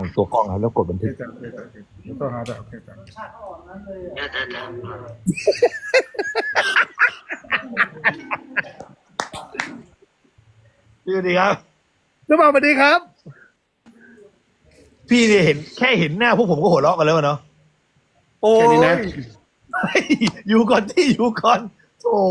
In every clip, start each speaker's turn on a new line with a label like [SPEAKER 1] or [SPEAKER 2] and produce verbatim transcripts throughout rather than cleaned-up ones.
[SPEAKER 1] ตัวกล้องครับแล้วกดบันทึก
[SPEAKER 2] โอเคจ้ะโอเคจ้ะเดี๋ยวต้องหาจ้ะโอเคจ้ะ
[SPEAKER 1] พี่สวัสดีครับ
[SPEAKER 2] น้ำมันสวัสดีครับ
[SPEAKER 1] พี่เนี่ยเห็นแค่เห็นหน้าพวกผมก็หัวเราะกันแล้วอะเนาะ
[SPEAKER 2] โอ้ย
[SPEAKER 1] เฮ้ยอยู่ก่อนที่อยู่ก่อนโอ้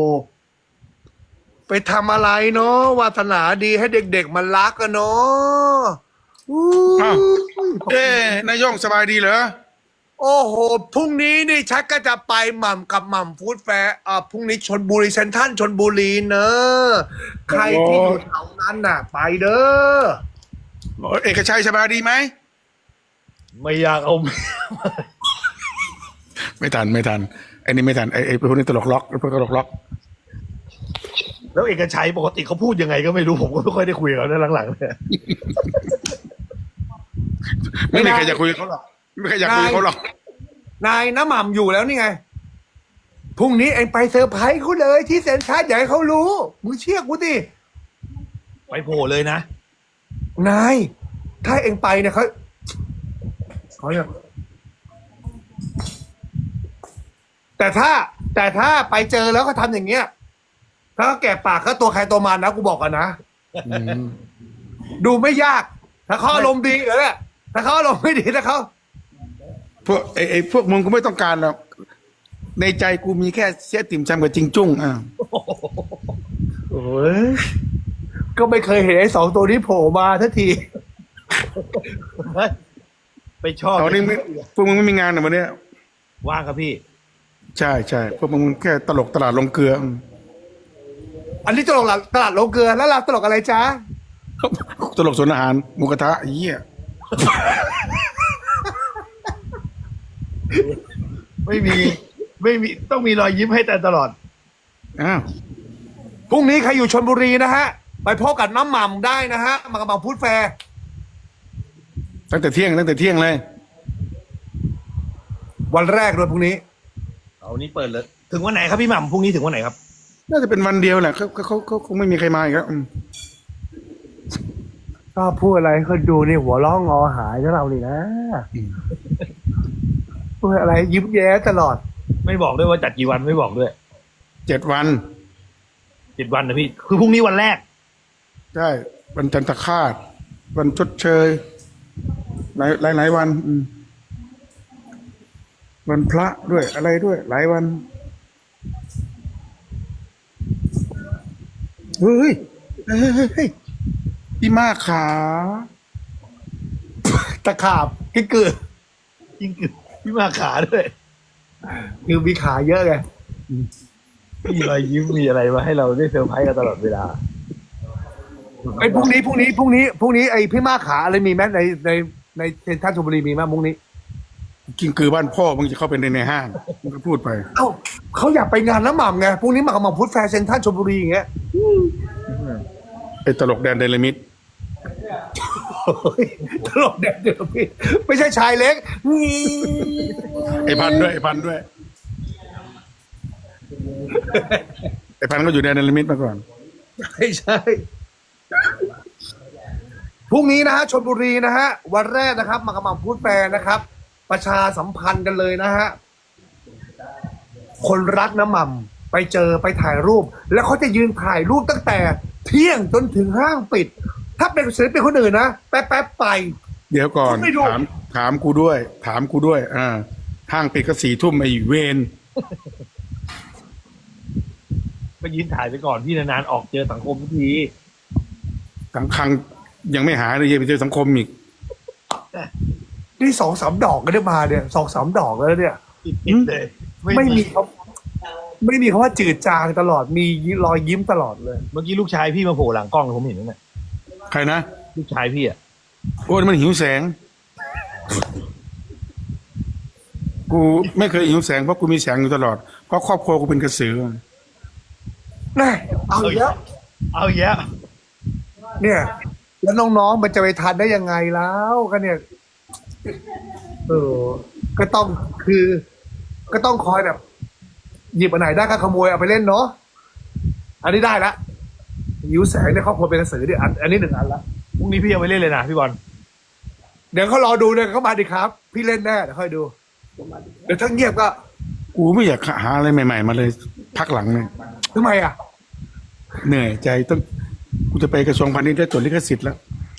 [SPEAKER 2] ไปทำอะไรเนาะวาสนาดีให้เด็กๆมันรักกันเนาะอู้
[SPEAKER 3] อ้าว
[SPEAKER 2] ย
[SPEAKER 3] เอ้นายโย่งสบายดีเหรอ
[SPEAKER 2] โอ้โหพรุ่งนี้นี่ชักก็จะไปหม่ำกับหม่ำฟู้ดแฟร์อ่าพรุ่งนี้ชนบุรีเซนทรัลชนบุรีเนอะใครที่อยู่แถวนั้นน่ะ ไปเด้อ
[SPEAKER 3] เอกชัยสบายดีไหม
[SPEAKER 1] ไม่อยากเอา
[SPEAKER 3] ไม่ทันไม่ทันไอ้นี่ไม่ทันไอ้ไอ้พวกนี้ตลกล็อกไอ้พวกตลกล็อก
[SPEAKER 1] แล้วเอกชัยปกติเขาพูดยังไงก็ไม่รู้ผมก็ไม่ค่อยได้คุยกับเขาในหลังๆเนี่ย
[SPEAKER 3] ไม่มีใครจะคุยกับเขาหรอกไม่มีใครอยากคุยกับเขาหรอก
[SPEAKER 2] นายน้ำหม่ำอยู่แล้วนี่ไง พรุ่งนี้เองไปเซอร์ไพรส์เขาเลยที่เซ็นทรัลอย่าให้เขารู้มึงเชื่อกูดิ
[SPEAKER 1] ไปโผล่เลยนะ
[SPEAKER 2] นาย ถ้าเองไปเนี่ยเขาเขาเนี่ยแต่ถ้า แต่ถ้าไปเจอแล้วเขาทำอย่างเงี้ย ถ้าเขาแกะปากก็ตัวใครตัวมันนะกูบอกกันนะ
[SPEAKER 3] อืม
[SPEAKER 2] ดูไม่ยาก ถ้าเขาอารมณ์ดีเออถ้าเขาอารมณ์ไม่ดีถ้าเขา
[SPEAKER 3] พวกไอ้ไอ้พวกมึงกูไม่ต้องการหรอกในใจกูมีแค่เสียติ่มซำกับจิงจุ้งอ่ะ
[SPEAKER 2] โอ้ยก็ไม่เคยเห็นไอ้สองตัวนี้โผล่มาทันที
[SPEAKER 1] ไปชอบ
[SPEAKER 3] ตอนนี้ไม่พวกมึงไม่มีงานเหรอวันเนี้ย
[SPEAKER 1] ว่างครับพี่
[SPEAKER 3] ใช่ใช่พวกมึงแค่ตลกตลาดลงเกลืออืม
[SPEAKER 2] อันนี้ตลกหลักตลาดโลเกลือแล้วเราตลกอะไรจ๊ะ
[SPEAKER 3] ตลกสวนอาหารหมูกระทะไอ้เหี้ย
[SPEAKER 1] ไม่มีไม่มีต้องมีรอยยิ้มให้แต่ตลอด
[SPEAKER 3] อ้าว
[SPEAKER 2] พรุ่งนี้ใครอยู่ชลบุรีนะฮะ ไปพบกับน้ำหม่ำได้นะฮะมากระบังพูดแฟร์
[SPEAKER 3] ตั้งแต่เที่ยงตั้งแต่เที่ยงเลย
[SPEAKER 2] วันแรกเลยพรุ่งนี้
[SPEAKER 1] เอานี้เปิดเลย ถึงวันไหนครับพี่หม่ำพรุ่งนี้ถึงวันไหนครับ
[SPEAKER 3] น่าจะเป็นวันเดียวแหละเขาเขาเขาเขาคงไม่มีใครมาอีกแล้วอืม
[SPEAKER 2] ก็พูดอะไรให้คนดูนี่หัวร้องงอหายของเราเลยนะพูดอะไรยิ้มแย้ตลอด
[SPEAKER 1] ไม่บอกด้วยว่าจัดกี่วันไม่บอกด้วย
[SPEAKER 3] เจ็ดวัน
[SPEAKER 1] เจ็ดวันนะพี่ คือพรุ่งนี้วันแรก
[SPEAKER 3] ใช่วันจันทคาตวันชดเชยหลายหลายหลายวันอืมวันพระด้วยอะไรด้วย หลายวันเฮ้ยเฮ้ยเฮ้ยเฮ้ยพี่มากขา
[SPEAKER 2] ตะขาบกิ๊กกือ
[SPEAKER 1] จริงคือพี่มาขาด้วย
[SPEAKER 2] คือมีขาเยอะไง
[SPEAKER 1] มีรอยยิ้มมีอะไรมาให้เราได้เซอร์ไพรส์กันตลอดเวลา
[SPEAKER 2] ไอ้พรุ่งนี้พรุ่งนี้พรุ่งนี้พรุ่งนี้ไอ้พี่มาขาอะไรมีไหมในในในเซ็นทรัลชลบุรีมีไหมพรุ่งนี้
[SPEAKER 3] กินคือบ้านพ่อมึงจะเข้าไปในในห้างมึงก็พูดไป
[SPEAKER 2] เอ้าเขาอยากไปงานน้ำหม่ำไงพรุ่งนี้มากับหม่ำพุทธแฟร์เซ็นทรัลชลบุรีอย่างเงี้ย
[SPEAKER 3] ไอ้ตลกแดนไดนามิด
[SPEAKER 2] โอ้ยตลกแดดเดียวพี่ไม่ใช่ชายเล็กงี้
[SPEAKER 3] ไอ้พันธุ์ด้วยไอ้พันธุ์ด้วยไอ้พันธุ์ก็อยู่แดนไดนามิดมาก่อน
[SPEAKER 2] ไม่ใช่พรุ่งนี้นะฮะชลบุรีนะฮะวันแรกนะครับมากับหม่ำพุทธแฟร์นะครับ ประชาสัมพันธ์กันเลยนะฮะคนรักน้ำหม่ำไปเจอไปถ่ายรูป แล้วเขาจะยืนถ่ายรูปตั้งแต่เที่ยงจนถึงห้างปิด ถ้าเป็นศิลปินคนอื่นนะแป๊บแป๊บๆไป
[SPEAKER 3] เดี๋ยวก่อน
[SPEAKER 2] ไม่ดู
[SPEAKER 3] ถามถามกูด้วย ถามกูด้วย อ่าห้างปิดก็สี่ทุ่มไอ้เวน
[SPEAKER 1] ก็ยืนถ่ายไปก่อนพี่นานๆออกเจอสังคมทุกที
[SPEAKER 3] สังคังยังไม่หาเลยยังไปเจอสังคมอีก
[SPEAKER 2] นี่สองสามดอกก็ได้มาเนี่ยสองสามดอกแล้วเนี่ย
[SPEAKER 1] ติดๆเลย
[SPEAKER 2] ไม่มีเขาไม่มีคำว่าจืดจางตลอดมีรอยยิ้มตลอดเลย
[SPEAKER 1] เมื่อกี้ลูกชายพี่มาโผล่หลังกล้องผมเห็นนั่นแหละ
[SPEAKER 3] ใครนะ
[SPEAKER 1] ลูกชายพี่อ่ะ
[SPEAKER 3] โอ้ยมันหิวแสง กูไม่เคยหิวแสงเพราะกูมีแสงอยู่ตลอด เพราะครอบครัวกูเป็นกระสือ
[SPEAKER 2] น่เอาอีกแล้ว
[SPEAKER 1] เอาอีกแล้ว
[SPEAKER 2] เนี่ย แล้วน้องๆมันจะไปทันได้ยังไงแล้วก็เนี่ย เออ ก็ต้องคือ ก็ต้องคอยแบบ หยิบอันไหนได้ก็ขโมยเอาไปเล่นเนาะอันนี้ได้ละหิวแสงในครอบครัวเป็นกระสือเนี่ยอันอันนี้หนึ่งอันละ
[SPEAKER 1] พรุ่งนี้พี่เอาไปเล่นเลยนะพี่บอล
[SPEAKER 2] เดี๋ยวเขารอดูเลยเขามาดิครับ พี่เล่นแน่เดี๋ยวค่อยดู เดี๋ยวถ้าเงียบก็
[SPEAKER 3] กูไม่อยากหาอะไรใหม่ ๆ มาเลยพักหลังเนี่ย
[SPEAKER 2] ทำไมอ่ะ
[SPEAKER 3] เหนื่อยใจต้องกูจะไปกระทรวงพาณิชย์ได้จดลิขสิทธิ์แล้ว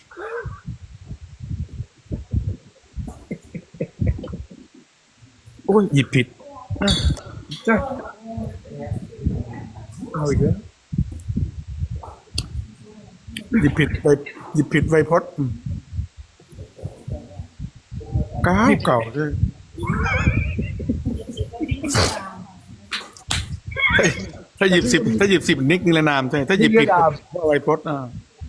[SPEAKER 3] โอ้ยหยิบผิด
[SPEAKER 2] ใช่เอาอีกแล้ว
[SPEAKER 3] หยิบผิดไปหยิบผิดไวพจน์อืมเก่าเก่าเลยถ้าหยิบสิบถ้าหยิบสิบนิกนิรนามใช่ถ้าหยิบผิดก็ไวพจน์อ่า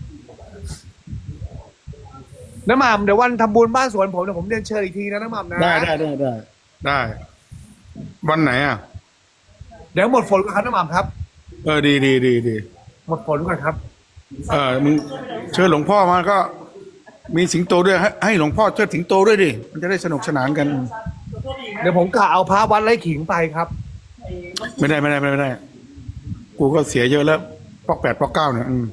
[SPEAKER 2] น้ำหม่ำเดี๋ยววันทำบุญบ้านสวนผมเดี๋ยวผมเรียนเชิญอีกทีนะน้ำหม่ำนะ
[SPEAKER 3] ได้ได้ได้ได้ได้ วันไหนอ่ะ
[SPEAKER 2] เดี๋ยวหมดฝนก่อนครับน้ำหม่ำครับ
[SPEAKER 3] เออดีดีดีดี
[SPEAKER 2] หมดฝนก่อนครับ
[SPEAKER 3] เออมึงเชิญหลวงพ่อมาก็ มีสิงโตด้วยให้ให้หลวงพ่อเชิดสิงโตด้วยดิมันจะได้สนุกสนานกัน
[SPEAKER 2] เดี๋ยวผมกะเอาพระวัดไร่ขิงไปครับ
[SPEAKER 3] ไม่ได้ไม่ได้ไม่ได้ กูก็เสียเยอะแล้วปอกแปดปอกเก้าเนี่ยอืม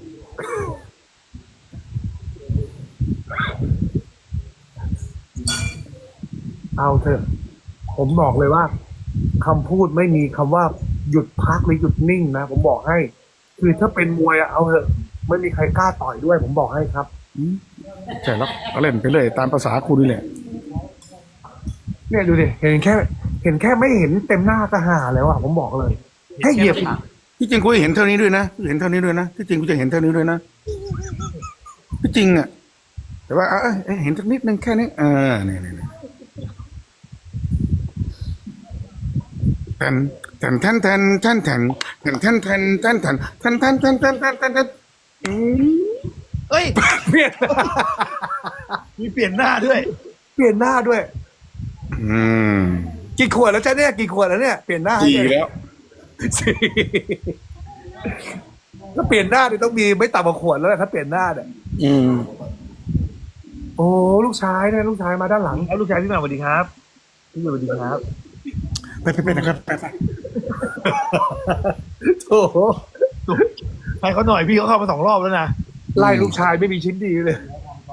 [SPEAKER 2] เอาเถอะ ผมบอกเลยว่าคำพูดไม่มีคำว่าหยุดพักหรือหยุดนิ่งนะผมบอกให้ คือถ้าเป็นมวยอะเอาเถอะไม่มีใครกล้าต่อยด้วย ผมบอกให้ครับ
[SPEAKER 3] ใช่แล้วก็เล่นไปเลยตามภาษากูนี่แหละ
[SPEAKER 2] เนี่ยดูดิเห็นแค่ เห็นแค่ไม่เห็นเต็มหน้าก็หาแล้วอะผมบอกเลยแค่เหยียบ
[SPEAKER 3] ที่จริงกูเห็นเท่านี้ด้วยนะเห็นเท่านี้ด้วยนะที่จริงกูจะเห็นเท่านี้ด้วยนะที่จริงอ่ะแต่ว่าเอ้ยเอ้ยเห็นสักนิดนึงแค่นี้เออเนี่ยเนี่ยแทนแทนแทนแทนแทนแทนแทนแทนแทนแทนแทนแทนแทนแทนแทนแทนแทนอืม
[SPEAKER 1] เอ้ย
[SPEAKER 2] เปลี่ยน
[SPEAKER 1] มีเปลี่ยนหน้าด้วย
[SPEAKER 2] เปลี่ยนหน้าด้วย
[SPEAKER 3] อืม
[SPEAKER 2] กี่ขวดแล้วจ้ะเนี่ยกี่ขวดแล้วเนี่ยเปลี่ยนหน้าให้
[SPEAKER 3] ดี
[SPEAKER 2] เนี่ย
[SPEAKER 3] แล้ว
[SPEAKER 2] สี่ถ้าเปลี่ยนหน้าเนี่ยต้องมีไม่ต่ำกว่าขวดแล้วแหละถ้าเปลี่ยนหน้าเนี่ย
[SPEAKER 3] อืม
[SPEAKER 2] โอ้ลูกชายเนี่ยลูกชายมาด้านหลัง
[SPEAKER 1] เอาลูกชายพี่หมาสวัสดีครับพี่หมาสวัสดีครับ
[SPEAKER 3] ไปไปไปนะครับไปไป
[SPEAKER 2] โถ่
[SPEAKER 1] ให้เขาหน่อยพี่เขาเข้ามาสองรอบแล้วนะ
[SPEAKER 2] ไล่ลูกชายไม่มีชิ้นดีเลย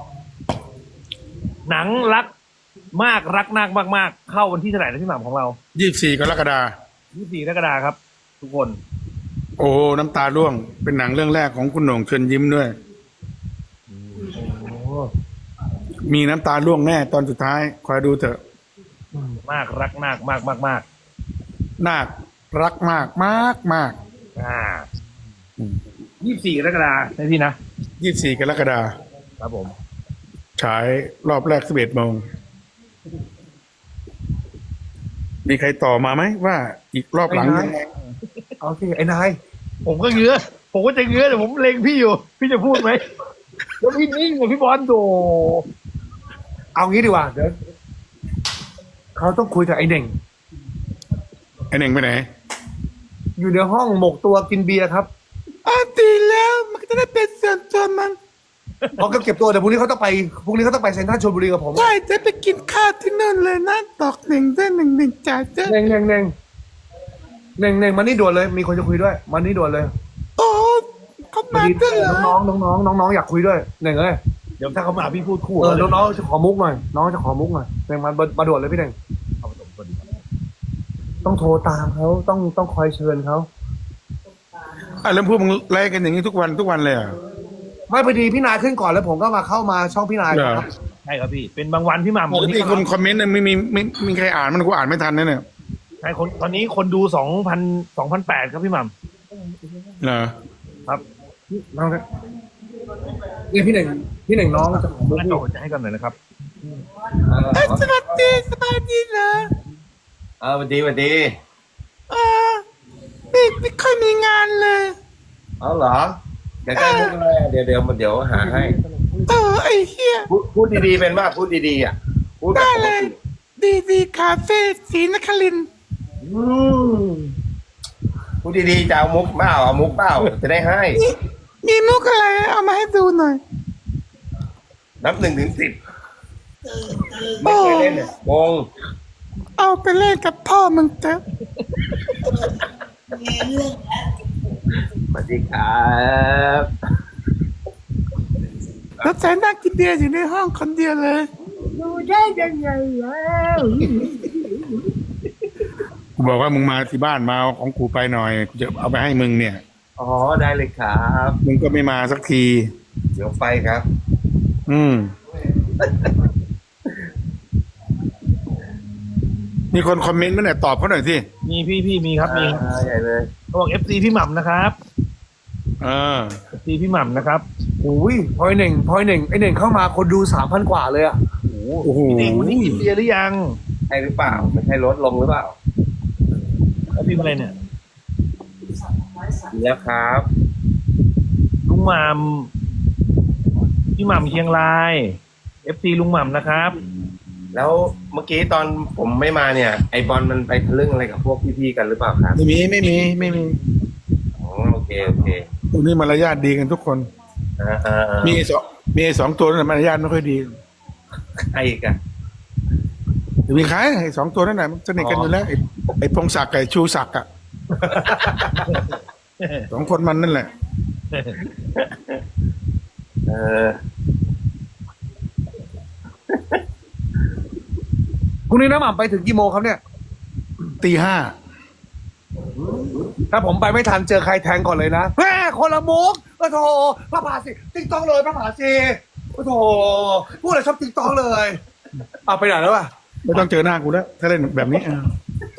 [SPEAKER 1] หนังรักมากรักมากมากมากเข้าวันที่เท่าไหร่นะพี่หม่ำของเรา
[SPEAKER 3] ยี่สิบสี่กรกฎาคม
[SPEAKER 1] ยี่สิบสี่กรกฎาคมครับ ทุกคน
[SPEAKER 3] โอ้น้ำตาร่วง เป็นหนังเรื่องแรกของคุณโหน่งเชิญยิ้มด้วย มีน้ำตาร่วงแน่ตอนสุดท้าย คอยดูเถอะ
[SPEAKER 1] มากรักมากมากมากมาก
[SPEAKER 3] นาครักมากมากมาก
[SPEAKER 1] อ่ายี่สิบสี่กรกฎาคมนะพี่นะ
[SPEAKER 3] ยี่สิบสี่กรกฎาคม
[SPEAKER 1] ครับผม
[SPEAKER 3] ฉายรอบแรกสิบเอ็ดโมง มีใครต่อมาไหมว่าอีกรอบหลังยังไง
[SPEAKER 2] เอาสิไอ้นาย
[SPEAKER 1] ผมก็เงื้อผมก็จะเงื้อแต่ผมเล็งพี่อยู่ พี่จะพูดไหมแล้วพี่นิ่งกับพี่บอลโต
[SPEAKER 2] เอางี้ดีกว่าเดี๋ยวเขาต้องคุยกับไอ้เน่ง
[SPEAKER 3] ไอเน่งไปไหน
[SPEAKER 2] อยู่ในห้องหมกตัวกินเบียร์ครับ
[SPEAKER 3] อ่ะดีแล้วมันจะได้เป็นส่วนตัวมัน
[SPEAKER 2] เพราะก็เก็บตัวแต่พรุ่งนี้เขาต้องไปพรุ่งนี้เขาต้องไปเซ็นทรัลชลบุรีกับผม
[SPEAKER 3] ใช่จะไปกินข้าวที่นั่นเลยนะตอกหนึ่งได้หนึ่งหนึ่งจ่ายเจ้
[SPEAKER 2] เน่งเน่งเน่งเน่งเน่งมานี่ด่วนเลย มีคนจะคุยด้วยมานี่ด่วนเลย
[SPEAKER 3] โอ้เขามาด้วยเหรอ
[SPEAKER 2] น้องน้องน้องน้องน้องอยากคุยด้วยเน่งเอ้ย
[SPEAKER 1] เดี๋ยวถ้าเขามาพี่พูดคู่
[SPEAKER 2] เออ
[SPEAKER 1] เขาเลย
[SPEAKER 2] น้องๆจะขอมุกหน่อยน้องจะขอมุกหน่อยเน่งมามาด่วนเลยพี่เน่ง
[SPEAKER 1] เอาไปส่งสวัสดีครับ
[SPEAKER 2] ต้องโทรตามเขาต้องต้องคอยเชิญเขา
[SPEAKER 3] อ่ะแล้วพวกมึงไล่กันอย่างนี้ทุกวันทุกวันเลยเหรอ่ะ
[SPEAKER 2] ไม่พอดีพี่นายขึ้นก่อนแล้วผมก็มาเข้ามาช่องพี่นาย
[SPEAKER 3] เหรอ
[SPEAKER 2] ครับ
[SPEAKER 1] ใช่ครับพี่ เป็นบางวันพี่หม่ำ
[SPEAKER 3] ปกติคนคอมเมนต์เนี่ยไม่มีไม่ไม่มีใครอ่านมันกูอ่านไม่ทันนะเนี่ย
[SPEAKER 1] ใช่คนตอนนี้คนดูสองพันสองพันแปดครับพี่หม่
[SPEAKER 3] เหรอ
[SPEAKER 1] ำครับ
[SPEAKER 2] น้องครับนี่พี่เน่งพี่เน่งน้องจะขอมุก
[SPEAKER 1] งั้น
[SPEAKER 2] พี่
[SPEAKER 1] โดจะให้กันหน่อยนะครับ
[SPEAKER 3] สวัสดีสบายดีเหรอ
[SPEAKER 4] เออสวัสดีสวัสดี
[SPEAKER 3] เออไม่ไม่ค่อยมีงานเลย
[SPEAKER 4] เอาเหรออยากได้มุกอะไรอ่ะเดี๋ยวเดี๋ยวเดี๋ยวหาให้
[SPEAKER 3] เออไอ้เหี้ย
[SPEAKER 4] พูดพูดดีๆเป็นว่าพูดดีๆอ่ะพูดแบบ
[SPEAKER 3] ได้
[SPEAKER 4] ปก
[SPEAKER 3] เลย
[SPEAKER 4] ติ
[SPEAKER 3] ดีดีคาเฟ่ศรีนครินทร์
[SPEAKER 4] อืมพูดดีๆจะเอามุกเปล่าเอามุกเปล่าจะได้ให้
[SPEAKER 3] มีมีมุกอะไรเอามาให้ดูหน่อย
[SPEAKER 4] นับหนึ่งถึงสิบไม่เคยเล่นเนี่ยวง
[SPEAKER 3] เอาไปเล่นกับพ่อมึงเถอะ
[SPEAKER 4] สวัสดีครับ
[SPEAKER 3] แล้วใจนั่งกินเบียร์อยู่ในห้องคนเดียวเลย
[SPEAKER 4] อ
[SPEAKER 2] ดูได้ยังไงแล้ว
[SPEAKER 3] กูบอกว่ามึงมาที่บ้านมาเอาของกูไปหน่อยกูจะเอาไปให้มึงเนี่ย
[SPEAKER 4] อ๋อได้เลยครับ
[SPEAKER 3] มึงก็ไม่มาสักที
[SPEAKER 4] เดี๋ยวไปครับ
[SPEAKER 3] อืม มีคนคอมเมนต์มาเนี่ยตอบเขาหน่อยสิ
[SPEAKER 1] มีพี่พี่มีครับมีครับ
[SPEAKER 4] อ่าใหญ่เลย
[SPEAKER 1] เขาบอกเอฟซีพี่หม่ำนะครับ
[SPEAKER 3] เออ
[SPEAKER 1] เอฟซีพี่หม่ำนะครับ
[SPEAKER 2] อุ้ยพลอยหนึ่งพลอยหนึ่งไอหนึ่งเข้ามาคนดูสามพันกว่าเลยอ่ะ
[SPEAKER 3] โอ้โห
[SPEAKER 1] พี่เองวันนี้กินเบียร์หรือยัง
[SPEAKER 4] ใช่หรือเปล่า ไม่ใช่ลดลงหรือเปล่า
[SPEAKER 1] แล้วพี่อะไรเนี่ย
[SPEAKER 4] ดีแล้วครับ
[SPEAKER 1] ลุงหม่ำพี่หม่ำเชียงรายเอฟซีลุงหม่ำนะครับ
[SPEAKER 4] แล้วเมื่อกี้ตอนผมไม่มาเนี่ย ไอบอลมันไปทะลึ่งอะไรกับพวกพี่ๆกันหรือเปล่าครับ
[SPEAKER 3] ไม่มีไม่มีไม่มี
[SPEAKER 4] อ๋อโอเคโอเค
[SPEAKER 3] พวกนี้มารยาทดีกันทุกคน
[SPEAKER 4] อ่าอ่าอ่า
[SPEAKER 3] มีไอ้สองมีไอ้สองตัวนั่นนะมารยาทไม่ค่อยดี
[SPEAKER 4] ใครอีกอะ
[SPEAKER 3] แต่มีใครไอ้สองตัวนั่นแหละมันสนิทกันอยู่แล้วไอ้ไอ้พงศักดิ์กับไอ้ชูศักดิ์อ่ะ สองคนมันนั่นแหละ
[SPEAKER 4] เออ
[SPEAKER 2] พรุ่งนี้น้ำหม่ำไปถึงกี่โมงครับเนี่ย
[SPEAKER 3] ตีห้า
[SPEAKER 2] ถ้าผมไปไม่ทันเจอใครแทงก่อนเลยนะแม่คนละมุกโอ้โถพระผาสิติ๊กต้องเลยพระผาสิโอ้โถพูดอะไรชอบติ๊กต้องเลยเอาไปไหนแล้วอ่ะ
[SPEAKER 3] ไม่ต้องเจอหน้ากูแล้ว ถ้าเล่นแบบนี้อ่ะ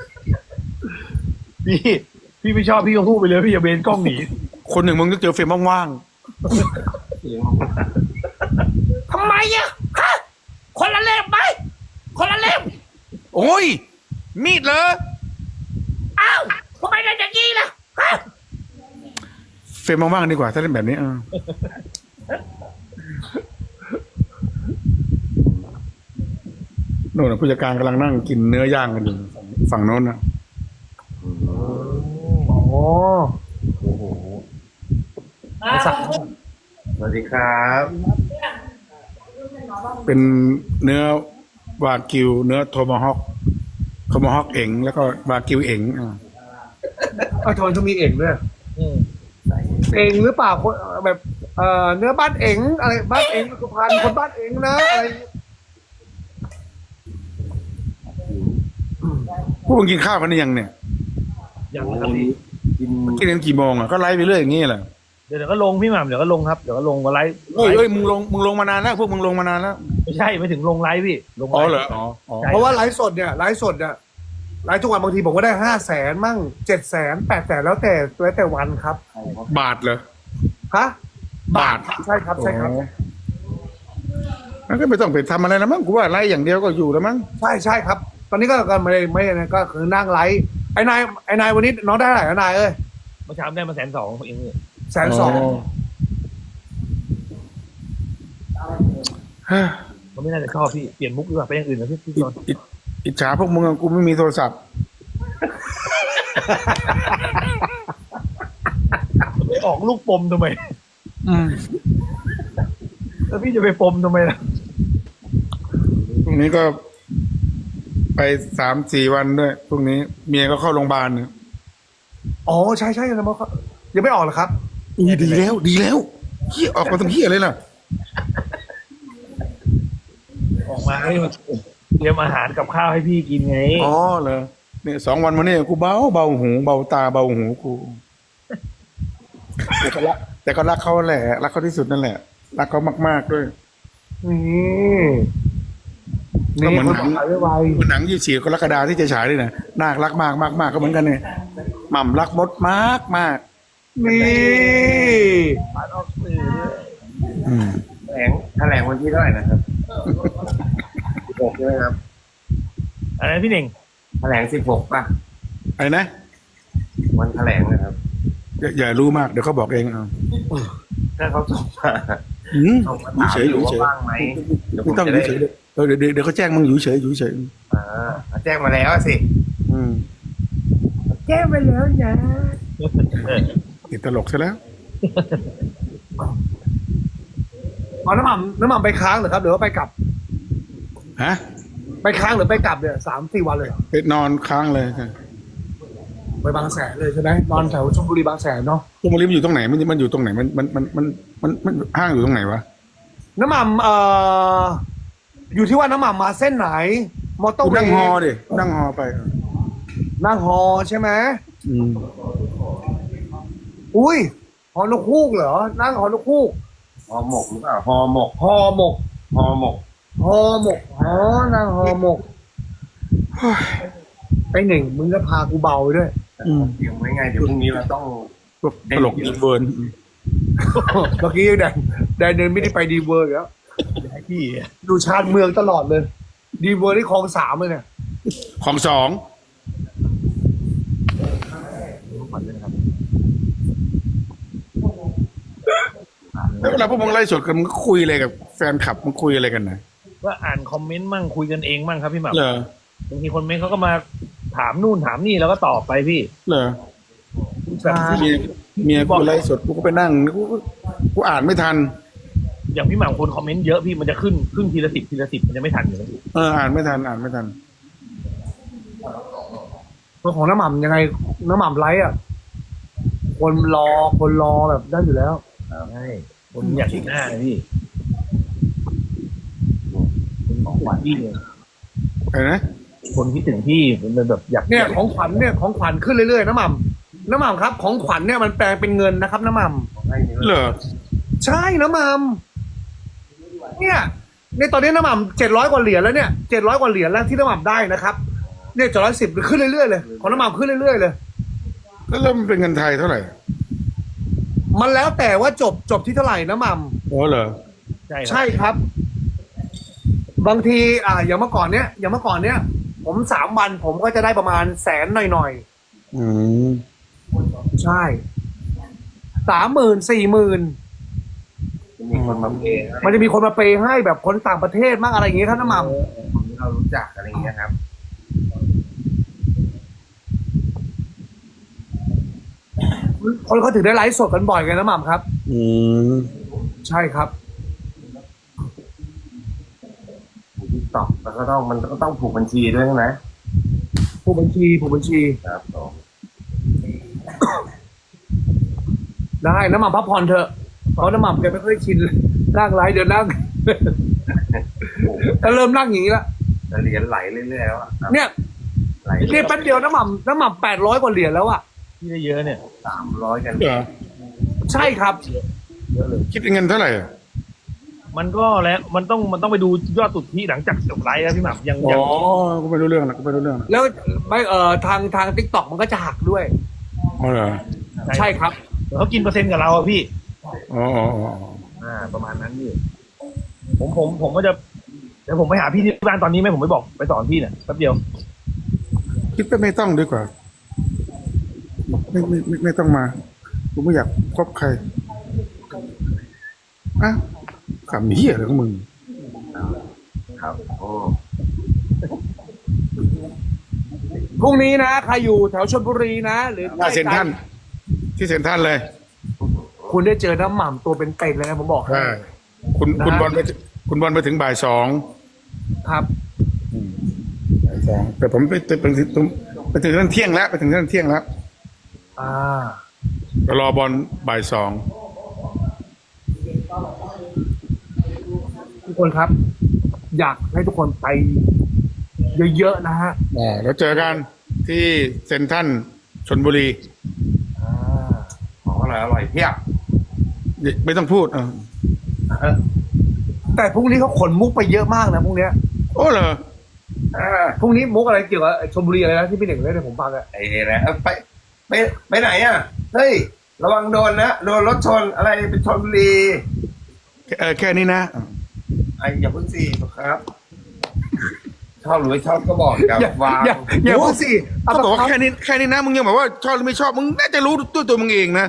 [SPEAKER 1] พี่พี่ไม่ชอบพี่ก็พูดไปเลยพี่อย่าเบนกล้องหนี
[SPEAKER 3] คนหนึ่งมึงต้องเจอเฟรมว่าง
[SPEAKER 2] ทำไมอ่ะฮะคนละเล่มไหมคนละเล่ม
[SPEAKER 3] ๆโอ้ย มีดเหรอ
[SPEAKER 2] อ้าวทำไมได้อย่างนี้ล่ะฮะ
[SPEAKER 3] เฟรมว่างๆดีกว่า ถ้าเล่นแบบนี้อ่ะโน่นนะผู้จัดการกำลังนั่งกินเนื้อย่างกันอยู่ฝั่งโน้นนะ
[SPEAKER 2] อ๋อ
[SPEAKER 4] โอ้โหสวัสดีครับ
[SPEAKER 3] เป็นเนื้อวากิว เนื้อโทมาฮอกโทมาฮอกเอ๋งแล้วก็วากิวเอ๋งอ่ะ
[SPEAKER 2] เอาทำไมต้องมีเองด้วย
[SPEAKER 1] อืม
[SPEAKER 2] เองหรือเปล่าคนแบบเอ่อเนื้อบ้านเองอะไรบ้านเองสุพรรณคนบ้านเองนะอะไร
[SPEAKER 3] พวกมึงกินข้าวกันหรือยังเนี่ย
[SPEAKER 1] ยังนะครับพี่
[SPEAKER 4] กิน
[SPEAKER 3] กินกันกี่โมงอ่ะก็ไลฟ์ไปเรื่อยอย่างนี้แหละ
[SPEAKER 1] เดี๋ยวเดี๋ยวก็ลงพี่หม่ำเดี๋ยวก็ลงครับเดี๋ยวก็ลงมาไลฟ์
[SPEAKER 3] เฮ้ยเฮ้ยมึงลงมึงลงมานานแล้วพวกมึงลงมานานแล้ว
[SPEAKER 1] ไม่ใช่ไม่ถึงลงไลฟ์พี่ลงไล
[SPEAKER 3] อ๋อ
[SPEAKER 1] ฟ์
[SPEAKER 3] เหรออ๋ออ๋อ
[SPEAKER 2] เพราะว่าไลฟ์สดเนี่ยไลฟ์สดเนี่ยไลฟ์ทุกวันบางทีผมก็ได้ห้าแสนมั่งเจ็ดแสนแปดแสนแล้วแต่แล้วแต่วันครับ
[SPEAKER 3] บาทเหรอ
[SPEAKER 2] ฮะ
[SPEAKER 3] บาท
[SPEAKER 2] ใช่ครับใช่ครับ
[SPEAKER 3] อ๋องั้นก็ไม่ต้องไปทำอะไรแล้วมั้งกูว่าไลฟ์อย่างเดียวก็อยู่แล้วมั้ง
[SPEAKER 2] ใช่ใช่ครับ ตอนนี้ก็ก็ไม่ได้ไม่ได้ก็คือนั่งไลฟ์ไอ้นายไอ้นายวันนี้น้องได้เท่าไหร่นะนายเอ้ย
[SPEAKER 1] เมื่อเช้าได้มาแสนสองเองเนี่ย
[SPEAKER 2] แสนสอง
[SPEAKER 3] เฮ้ย
[SPEAKER 1] มันไม่น่าจะชอบพี่เปลี่ยนมุกดีกว่าไปอย่างอื่นนะพี่พี่จ
[SPEAKER 3] อิ
[SPEAKER 1] อน
[SPEAKER 3] อิอิจฉาพวกมึงอะกูไม่มีโทรศัพท์
[SPEAKER 1] ไปออกลูกปมทำไม
[SPEAKER 3] อืม
[SPEAKER 1] แล้วพี่จะไปปมทำไมล่ะ
[SPEAKER 3] พรุ่งนี้ก็ไปสามสี่วันด้วยพรุ่งนี้เมียก็เข้าโรงพยาบาลเนี่ย
[SPEAKER 2] อ๋อใช่ใช่นะมั้งยังไม่ออกเหรอครับ
[SPEAKER 3] อุ้ยดีแล้วดีแล้วเฮียออกมาทำเฮียเลยล่ะ
[SPEAKER 1] ออกมาให้มันเตรียมอาหารกับข้าวให้พี่กินไง
[SPEAKER 3] อ๋อเหรอเนี่ยสองวันมาเนี่ยกูเบาเบาหูเบาตาเบาหูกูแต่ก็รักแต่ก็รักเขาแหละรักเขาที่สุดนั่นแหละรักเขามากๆด้วย
[SPEAKER 2] นี่
[SPEAKER 3] ก็เหมือน
[SPEAKER 2] คน
[SPEAKER 3] หนัง
[SPEAKER 2] ขายไว
[SPEAKER 3] เหมือนหนังยี่สี่กรกฎาที่จะฉายด้วยนะน่ารักมากมากมากก็เหมือนกันเนี่ยหม่ำรักมดมากมาก
[SPEAKER 2] ๆนี่
[SPEAKER 1] ปาดออกสื่อด้วย
[SPEAKER 3] อืม
[SPEAKER 4] แถลงแถลงวันที่เท่าไหร่นะครับสิบหกใช่ไหมครับ
[SPEAKER 1] อะไรพี่เน่ง
[SPEAKER 4] แถลงสิบหกป่ะ
[SPEAKER 3] อะไรนะ
[SPEAKER 4] วันแถลงนะครับ
[SPEAKER 3] อย่าอย่ารู้มากเดี๋ยวเขาบอกเองเอา
[SPEAKER 4] ถ้าเขาส่งมา
[SPEAKER 3] อืม
[SPEAKER 4] ส่งมา
[SPEAKER 3] อยู่
[SPEAKER 4] ถาม
[SPEAKER 3] เฉยอ
[SPEAKER 4] อยู่ ยู่ว่า
[SPEAKER 3] เฉย
[SPEAKER 4] ว่างไหมเดี๋ยวผ
[SPEAKER 3] ไม่
[SPEAKER 4] ม
[SPEAKER 3] ต้อง
[SPEAKER 4] จะ
[SPEAKER 3] อ
[SPEAKER 4] ได้
[SPEAKER 3] ยู่เฉยเลยเออเดี๋ยวเดี๋ยวเดี๋ยวเขาแจ้งมึงอยู่เฉยอยู่เฉย
[SPEAKER 4] อ่าแจ้งมาแล้วสิ
[SPEAKER 3] อืม
[SPEAKER 2] แก้ไปแล้วนะ
[SPEAKER 3] ติดตลกซะแล้ว
[SPEAKER 2] เอาน้ำหม่ำน้ำหม่ำไปค้างเหรอครับหรือว่าไปกลับ
[SPEAKER 3] ฮะ
[SPEAKER 2] ไปค้างหรือไปกลับเนี่ยสามสี่วันเลยเหรอ
[SPEAKER 3] ไปนอนค้างเลยค่ะ
[SPEAKER 2] ไปบางแสนเลยใช่ไหมนอนแถวชลบุรีบางแสนเนาะ
[SPEAKER 3] พวกมันอยู่ตรงไหนมันมันอยู่ตรงไหนมันมันมันมันมันมันห้างอยู่ตรงไหนวะ
[SPEAKER 2] น้ำหม่ำเอ่ออยู่ที่ว่าน้ำหม่ำมาเส้นไหน มอเตอร์
[SPEAKER 3] กู
[SPEAKER 2] เว
[SPEAKER 3] นั่ง
[SPEAKER 2] ย์
[SPEAKER 3] ฮอดินั่งฮอไป
[SPEAKER 2] นั่งฮอใช่ไหม
[SPEAKER 3] อืม
[SPEAKER 2] อุ้ยฮอนกฮูกเหรอ นั่งฮอนกฮูก
[SPEAKER 4] ห่อหมกหรือเปล่าห่อหมก
[SPEAKER 2] ฮอหมก
[SPEAKER 4] ห่อหมก
[SPEAKER 2] ฮอหมกอ๋อนั่งฮอหมกไปหนึ่งมึงก็พากูเบาไปด้วย
[SPEAKER 3] อืม
[SPEAKER 4] เตรียมไว้ไงเดี๋ยวพรุ่งนี้เราต้อง
[SPEAKER 3] พวกตลกอีเวิร์น
[SPEAKER 2] เมื่อกี้แดนแดนเดินไม่ได้ไปดีเวอร์อีกแล้ว
[SPEAKER 1] ให้พี่
[SPEAKER 2] ดูชาติเมืองตลอดเลย ดีเวอร์ที่คลองสามเลยเนี่ย
[SPEAKER 3] ของสองแล้วเวลาพวกมึงไล่สดกันมึงก็คุยอะไรกับแฟนคลับมึงคุยอะไรกันนะ
[SPEAKER 1] ก็อ่านคอมเมนต์มั่งคุยกันเองมั่งครับพี่หม่ำ
[SPEAKER 3] เหรอบ
[SPEAKER 1] างทีคนเมนต์เขาก็มาถามนู่นถามนี่แล้วก็ตอบไปพี่
[SPEAKER 3] เหรอ
[SPEAKER 1] แบบ
[SPEAKER 3] เมียเมียกูไล่สดกูก็ไปนั่งกูก็กูอ่านไม่ทัน
[SPEAKER 1] อย่างพี่หม่ำคนคอมเมนต์เยอะพี่มันจะขึ้นขึ้นทีละสิบทีละสิบมันจะไม่ทันอยู่แล้วพี่
[SPEAKER 3] เอออ่านไม่ทันอ่านไม่ทัน
[SPEAKER 2] ตัวของน้ำหม่ำยังไงน้ำหม่ำไลฟ์อ่ะ คนรอคนรอแบบได้อยู่แล้ว
[SPEAKER 1] ใช่คนอยากเห็นหน้าเลยพี่คนของขวัญพี่เนี่ย
[SPEAKER 3] อะไรนะ
[SPEAKER 1] คนคิดถึงพี่มันแบบอยาก
[SPEAKER 2] เนี่ยของขวัญเนี่ยของขวัญขึ้นเรื่อยๆน้ำหม่ำน้ำหม่ำครับ ของขวัญเนี่ยมันแปลงเป็นเงินนะครับน้ำหม่ำ
[SPEAKER 4] ให้นี่
[SPEAKER 3] เหรอ
[SPEAKER 2] ใช่น้ำหม่ำเนี่ยในตอนนี้น้ำหม่ำเจ็ดร้อยกว่าเหรียญแล้วเนี่ยเจ็ดร้อยกว่าเหรียญแล้วที่น้ำหม่ำได้นะครับเนี่ยเจ็ดร้อยสิบขึ้นเรื่อยๆเลยของน้ำหม่ำขึ้นเรื่อยๆเลย
[SPEAKER 3] แล้วเริ่มนเป็นเงินไทยเท่าไหร่
[SPEAKER 2] มันแล้วแต่ว่าจบจบที่เท่าไหร่น้ำหม่ำ
[SPEAKER 3] โอ้เหรอ
[SPEAKER 1] ใช่ครับ
[SPEAKER 2] ใช่ครับ บางทีอ่าอย่างเมื่อก่อนเนี้ยอย่างเมื่อก่อนเนี้ยผมสามวันผมก็จะได้ประมาณแสนหน่อย
[SPEAKER 3] อืม
[SPEAKER 2] ๆใช่สามหมื่นสี่หมื่น
[SPEAKER 4] มีคนมาเพย์
[SPEAKER 2] มันจะมีคนมาเปย์ให้แบบคนต่างประเทศมากอะไรอย่างเงี้ยครับน้ำหม่ำ
[SPEAKER 4] คนที่เรารู้จักอะไรอย่างเงี้ยครับ
[SPEAKER 2] คนเขาถึงได้ไลฟ์สดกันบ่อยกันน้ำหม่ำครับ
[SPEAKER 3] อืม
[SPEAKER 2] ใช่ครับ
[SPEAKER 4] ทิกตอกแล้วก็ต้องมันก็ต้องผูกบัญชีด้วยใช่ไหม
[SPEAKER 2] ผู้บัญชีผู้บัญชี
[SPEAKER 4] ครับผม
[SPEAKER 2] ได้น้ำหม่ำพักผ่อนเถอะเพราะน้ำหม่ำแกไม่ค่อยชินเลยนั่งไลฟ์เดี๋ยวนั่ง แต่เริ่มนั่งอย่างนี้ละ
[SPEAKER 4] แต่เหรียญไหลเรื่อยๆแล้วอะครับ
[SPEAKER 2] เนี่ย
[SPEAKER 4] ไหล
[SPEAKER 2] เนี่ยแป๊บเดียวน้ำหม่ำน้ำหม่ำแปดร้อยกว่าเหรียญแล้วอ่ะ
[SPEAKER 1] พี่ได้เยอะเนี่ย
[SPEAKER 4] สามร้อยกัน
[SPEAKER 3] เหรอ
[SPEAKER 2] ใช่ครับ
[SPEAKER 1] เยอะเลย
[SPEAKER 3] คิดเป็นเงินเท่าไหร่อะ
[SPEAKER 1] มันก็แล้วมันต้องมันต้องไปดูยอดสุทธิหลังจากจบไลฟ์แล้วพี่หม่ำยัง
[SPEAKER 3] อ๋
[SPEAKER 1] ยัง
[SPEAKER 3] อกูไม่รู้เรื่องละกูไม่รู้เรื่องละ
[SPEAKER 2] แล้วไม่เอ่อทางทางทิกตอกมันก็จะหักด้วย
[SPEAKER 3] อ๋อเหรอ
[SPEAKER 2] ใช่ครับ
[SPEAKER 1] เขากินเปอร์เซ็นต์กับเราอะพี่
[SPEAKER 3] อ๋ออ๋ออ๋ออ๋อ
[SPEAKER 1] อ่า ประมาณนั้นพี่ผมผมผมก็จะเดี๋ยวผมไปหาพี่ที่บ้านตอนนี้ไหมผมไปบอกไปสอนพี่เนี่ยแป๊บเดียว
[SPEAKER 3] คิดว่าไม่ต้องดีกว่า ไม่ไม่ไม่ไม่ต้องมากูไม่อยากพบใครอ่ะขำเหี้ยอะไรของมึง
[SPEAKER 4] ครับโอ้
[SPEAKER 2] พรุ่งนี้นะใครอยู่แถวชลบุรีนะ หรือ
[SPEAKER 3] หน้าเซ็นทรัลที่เซ็นทรัลเลย
[SPEAKER 2] คุณได้เจอน้ำหม่ำตัวเป็นเป็ดเลยนะผมบอกให้
[SPEAKER 3] ใช่คุณ
[SPEAKER 2] นะ
[SPEAKER 3] คุณบอลไปคุณบอลไปถึงบ่ายสอง
[SPEAKER 2] ครับ
[SPEAKER 3] บ่ายสองแต่ผมไปไปไปถึงไปถึงนั่นเที่ยงแล้วไปถึงนั่นเที่ยงแล้ว
[SPEAKER 2] อ่า
[SPEAKER 3] ก็รอบอลบ่ายสอง
[SPEAKER 2] ทุกคนครับ อยากให้ทุกคนไปเยอะๆนะฮะ
[SPEAKER 3] อ่าแล้วเจอกันที่เซ็นทรัลชลบุรี
[SPEAKER 2] อ่า
[SPEAKER 4] ของอร่อยอร่อยเพียบ
[SPEAKER 3] ไม่ต้องพูดเออ
[SPEAKER 2] เออแต่พรุ่งนี้เขาขนมุกไปเยอะมากนะพรุ่งเนี้ย
[SPEAKER 3] โอ้เหรอ
[SPEAKER 4] อ่า
[SPEAKER 2] พรุ่งนี้มุกอะไรเกี่ยวกับชลบุรีอะไรนะที่พี่เด่งเล่นให้ผมฟังอะ
[SPEAKER 4] ไอ้นะเอ้ยไปไปไปไหนอ่ะเฮ้ยระวังโดนนะโดนรถชนอะไรเป็นชนบุรี
[SPEAKER 3] เออแค่นี้นะ
[SPEAKER 4] ไอ้อย่าเพิ่งสิครับชอบหรือไม่ชอบก็บอกกับ
[SPEAKER 2] อย่าว
[SPEAKER 4] าง
[SPEAKER 2] อย่าอย่าพูดสิ
[SPEAKER 3] เขาบอกว่าแค่นี้แค่นี้นะมึงยังบอกว่าชอบหรือไม่ชอบมึงน่าจะรู้ตัวตัวมึงเองนะ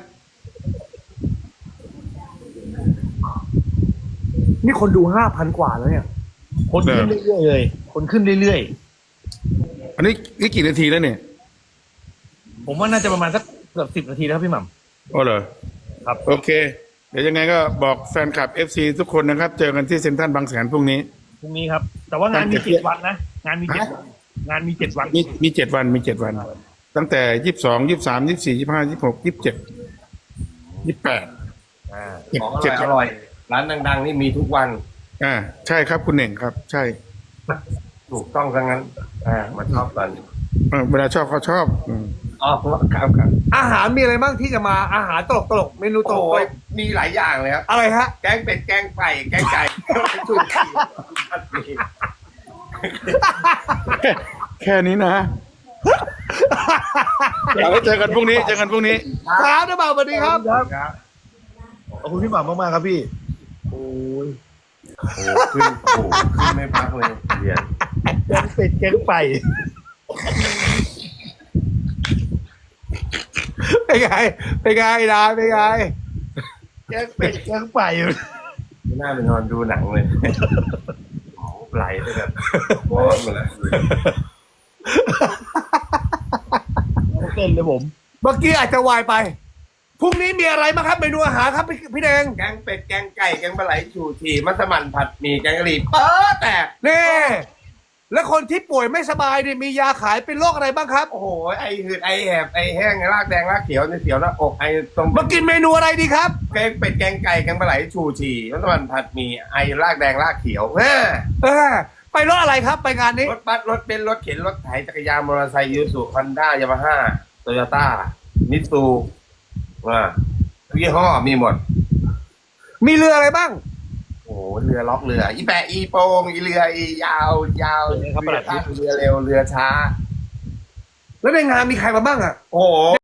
[SPEAKER 2] นี่คนดูห้าพันกว่าแล้วเนี่ย
[SPEAKER 1] คนขึ้นเรื่อยๆเลย คนขึ้นเรื่อย
[SPEAKER 3] อันนี้นี่กี่นาทีแล้วเนี่ย
[SPEAKER 1] ๆผมว่าน่าจะประมาณสักเกือบสิบนาทีแล้วครับพี่หม่ำ
[SPEAKER 3] โอ้เหรอ
[SPEAKER 1] ครับ
[SPEAKER 3] โอเค เดี๋ยวยังไงก็บอกแฟนคลับ เอฟ ซี ทุกคนนะครับ เจอกันที่เซ็นทรัลบางแสนพรุ่งนี้
[SPEAKER 1] พรุ่งนี้ครับ แต่ว่างานมีเจ็ดวันนะงานมีเจ็ดวันงานมีเจ็ดวัน
[SPEAKER 3] มีมีเจ็ดวันมีเจ็ดวัน ตั้งแต่ยี่สิบสองยี่สิบสามยี่สิบสี่ยี่สิบห้ายี่สิบหกยี่สิบเจ็ดยี่สิบแปด
[SPEAKER 1] อ่า
[SPEAKER 3] เจ็ด
[SPEAKER 4] ของอ
[SPEAKER 3] เจ็ด
[SPEAKER 4] ร่อยอร่อยร้านดังๆนี่มีทุกวัน
[SPEAKER 3] อ่าใช่ครับคุณเน่งครับ ใช่
[SPEAKER 4] ถูกต้องทั้งนั้น อ่ามาชอบกัน
[SPEAKER 3] เออเวลาชอบเขาชอบอืม
[SPEAKER 4] อ๋อครับครับ
[SPEAKER 2] อาหารมีอะไรบ้างที่จะมาอาหารตลกตลกๆเมนูตล
[SPEAKER 4] โอ้
[SPEAKER 2] ก
[SPEAKER 4] ยมีหลายอย่างเลยครับ
[SPEAKER 2] ๆอะไรฮะ
[SPEAKER 4] แกงเป็ดแกงไก่แกงไก่ชูชี
[SPEAKER 3] แค่แค่นี้นะเอาไว้เจอกันพรุ่งนี้เจอกันพรุ่งนี้
[SPEAKER 2] ครับน้ำหม่ำสวัสดีครับ
[SPEAKER 4] ครับ
[SPEAKER 1] ขอบคุณพี่หม่ำมากๆครับพี่
[SPEAKER 4] โอ้ยโอ้ขึ้นโอ้ขึ้นไม่พักเลยเหรียญ
[SPEAKER 1] แกงเป็ดแกงไก่
[SPEAKER 2] เป็นไงเป็นไงดาเป็นไง
[SPEAKER 1] แกงเป็ดแกงไก่
[SPEAKER 4] ไม่น่าไปนอนดูหนังเลยไหลไปแบบร้อนหมดแล้ว
[SPEAKER 1] เต้นเลยผม
[SPEAKER 2] เมื่อกี้อาจจะวายไปพรุ่งนี้มีอะไรบ้างครับเมนูอาหารครับพี่พี่แดง
[SPEAKER 4] แกงเป็ดแกงไก่แกงปลาไหลชูชีมัสมั่นผัดหมี่แกงกะหรี่เปิดแต่
[SPEAKER 2] นี่แล้วคนที่ป่วยไม่สบายเนี่ยมียาขายเป็นโรคอะไรบ้างครับ
[SPEAKER 4] โอ้โหไอหืดไอแหบไอแห้งรากแดงรากเขียวในเสียวหน้าอกไอตรง
[SPEAKER 2] มากินเมนูอะไรดีครับ
[SPEAKER 4] แกงเป็ดแกงไก่แกงปลาไหลชูชีมัสมั่นผัดหมี่ไอรากแดงรากเขียวแม่
[SPEAKER 2] เออไปรถอะไรครับไปงานนี้
[SPEAKER 4] รถบัสรถเบนซ์รถเข็นรถไถจักรยานมอเตอร์ไซค์ยูสุฮอนด้ายามาฮ่าโตโยต้ามิตซูอ่าทุกยี่ห้อมีหมด
[SPEAKER 2] มีเรืออะไรบ้าง
[SPEAKER 4] โอ้โหเรือล็อกเรือ อีแปะอีโปงอีเรืออียาวยาว
[SPEAKER 1] เป็นไงครับประหลัด
[SPEAKER 4] เรือเรือเร็วเรือช้า
[SPEAKER 2] แล้วในงานมีใครมาบ้างอ่ะ
[SPEAKER 4] โอ้โห